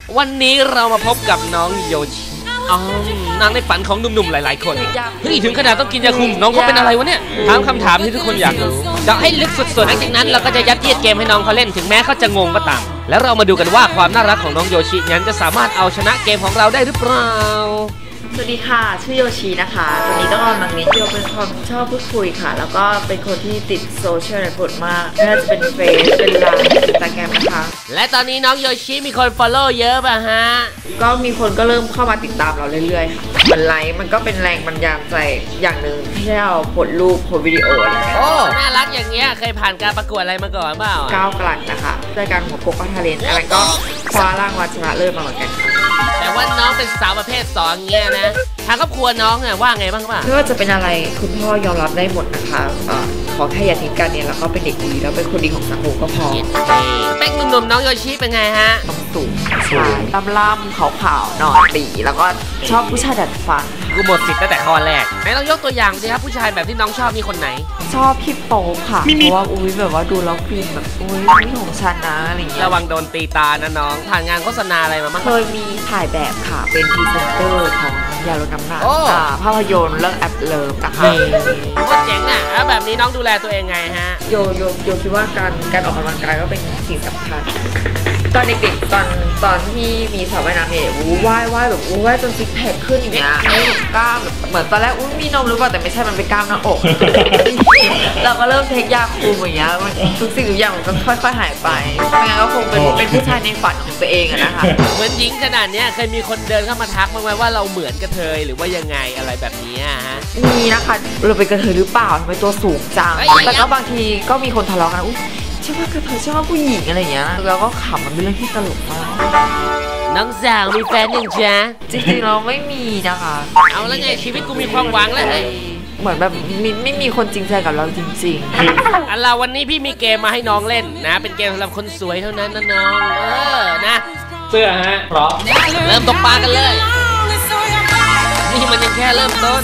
วันนี้เรามาพบกับน้องโยชินางในฝันของหนุ่มๆหลายๆคนเฮ้ยถึงขนาดต้องกินยาคุมน้องเขาเป็นอะไรวะเนี่ยถามคำถามที่ทุกคนอยากรู้เจาะให้ลึกสุดๆหลังจากนั้นเราก็จะยัดเยียดเกมให้น้องเขาเล่นถึงแม้เขาจะงงก็ตามแล้วเรามาดูกันว่าความน่ารักของน้องโยชินั้นจะสามารถเอาชนะเกมของเราได้หรือเปล่าสวัสดีค่ะชื่อโยชินะคะตอนนี้ต้องกำลังเรียนที่เป็นคนชอบพูดคุยค่ะแล้วก็เป็นคนที่ติดโซเชียลเน็ตเวิร์กมากไม่ว่าจะเป็นเฟซเป็นไลน์อินสตาแกรมนะคะและตอนนี้น้องโยชิมีคน follow เยอะป่ะฮะก็มีคนก็เริ่มเข้ามาติดตามเราเรื่อยๆค่ะเหมือนไลค์มันก็เป็นแรงบันดาลใจอย่างหนึ่งที่ให้เราโพสรูปโพสวิดีโออะไรเงี้ยโอ้น่ารักอย่างเงี้ยเคยผ่านการประกวดอะไรมาก่อนเปล่าก้าวกลั่นนะคะรายการหัวโปกก็ทาเลนอะไรก็คว้ารางวัลชนะเลิศมาเหมือนกันแต่ว่าน้องเป็นสาวประเภท2เงี้ยนะทางครอบครัวน้องเนี่ยว่าไงบ้างป่ะไม่ว่าจะเป็นอะไรคุณพ่อยอมรับได้หมดนะคะขอแค่อย่าทิ้งกันเนี่ยแล้วก็เป็นเด็กดีแล้วเป็นคนดีของสังคมก็พอเป๊กหนุ่มๆน้องโยชิเป็นไงฮะต้องสูงใช่ล่ำๆขาวๆหน่อยตีแล้วก็ชอบผู้ชายดัดฟันกูหมดสิทธิ์ตั้งแต่ข้อแรกไหนลองยกตัวอย่างสิครับผู้ชายแบบที่น้องชอบมีคนไหนชอบพี่โป๊ปค่ะเพราะว่าอุ้ยแบบว่าดูแล้วคือแบบอุ้ยนี่ของฉันนะอะไรเงี้ยระวังโดนตีตานะน้องผ่านงานโฆษณาอะไรมาบ้างเคยมีถ่ายแบบค่ะเป็นพรีเซนเตอร์ของยาลดน้ำหนักภาพยนตร์เรื่องแอปเลิฟนะคะโคตรเจ๋งอ่ะแล้วแบบนี้น้องดูแลตัวเองไงฮะโยคิดว่าการออกกำลังกายก็เป็นสิ่งสำคัญตอนเด็กๆตอนที่มีสาวว่ายน้ำเนี่ยว่ายแบบว่ายจนซิกแพคขึ้นอย่างเงี้ยไม่แบบกล้ามแบบเหมือนตอนแรกมีนมหรือเปล่าแต่ไม่ใช่มันเป็นกล้ามหน้าอกเราก็เริ่มเทคยาคุมอย่างเงี้ยทุกสิ่งทุกอย่างมันก็ค่อยๆหายไปไม่งั้นก็คงเป็นผู้ชายในฝันของตัวเองอะนะคะเหมือนหญิงขนาดเนี้ยเคยมีคนเดินเข้ามาทักบ้างไหมว่าเราเหมือนกระเทยหรือว่ายังไงอะไรแบบนี้ฮะมีนะคะเราเป็นกระเทยหรือเปล่าทำไมตัวสูงจังแต่ก็บางทีก็มีคนทะเลาะกันใช่ว่ากระเทยใช่ว่าผู้หญิงอะไรอย่างเงี้ยแล้วก็ขำมันเป็นเรื่องที่ตลกมากน้องสาวมีแฟนยังจ๊ะจริงๆเราไม่มีนะคะเอาแล้วไงชีวิตกูมีความหวังแล้วเหมือนแบบไม่มีคนจริงใจกับเราจริงๆอันเราวันนี้พี่มีเกมมาให้น้องเล่นนะเป็นเกมสำหรับคนสวยเท่านั้นนะน้องนะเสื้อฮะพร้อมเริ่มตกปลากันเลยนี่มันยังแค่เริ่มต้น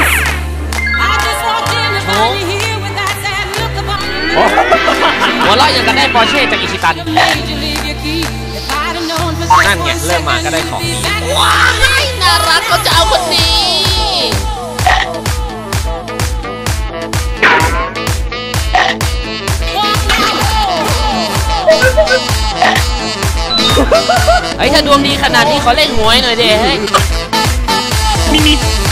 โอ้หัวเราะยังกันได้ปอร์เช่จากอิชิตันนั่นไงเริ่มมาก็ได้ของว้ายน่ารักก็จะเอาคนนี้เฮ้ยถ้าดวงดีขนาดนี้ขอเล่นหวยหน่อยเด้เฮ้ยมี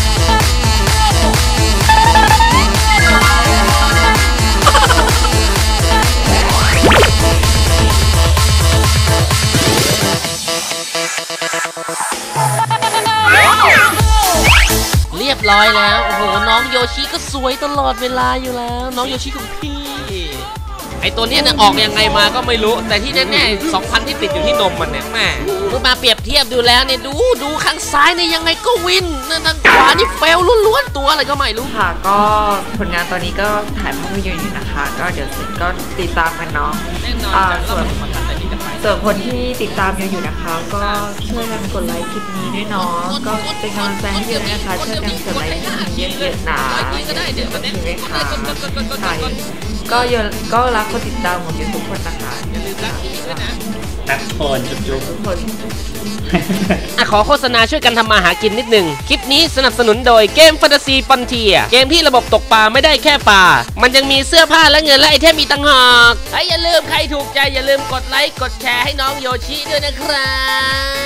เรียบร้อยแล้วโอ้โหน้องโยชิก็สวยตลอดเวลาอยู่แล้วน้องโยชิของพี่ไอตัวนี้เนี่ยออกยังไงมาก็ไม่รู้แต่ที่แน่ๆ2,000ที่ติดอยู่ที่นมมันเนี่ยแม่มาเปรียบเทียบดูแล้วเนี่ยดูข้างซ้ายเนี่ยยังไงก็วินทางขวานี่เฟลล้วนๆตัวอะไรก็ไม่รู้ค่ะก็ผลงานตอนนี้ก็ถ่ายภาพยนตร์อยู่นะคะก็เดี๋ยวเสร็จก็ติดตามกันเนาะส่วนคนที่ติดตามอยู่นะคะก็ช่วยกันกดไลค์คลิปนี้ด้วยเนาะก็เป็นกำลังใจให้ด้วยนะคะช่วยกันกดไลค์เยอะๆนะใช่ไหมคะใช่ก็รักคนติดตามของทุกคนนะคะอย่าลืมรักพี่ด้วยนะรักคนจุ๊บทุกคนขอโฆษณาช่วยกันทำมาหากินนิดหนึ่งคลิปนี้สนับสนุนโดยเกมแฟนตาซีฟอนเทียเกมที่ระบบตกปลาไม่ได้แค่ปลามันยังมีเสื้อผ้าและเงินและไอเทมอีกต่างหากอย่าลืมใครถูกใจอย่าลืมกดไลค์กดแชร์ให้น้องโยชิด้วยนะครับ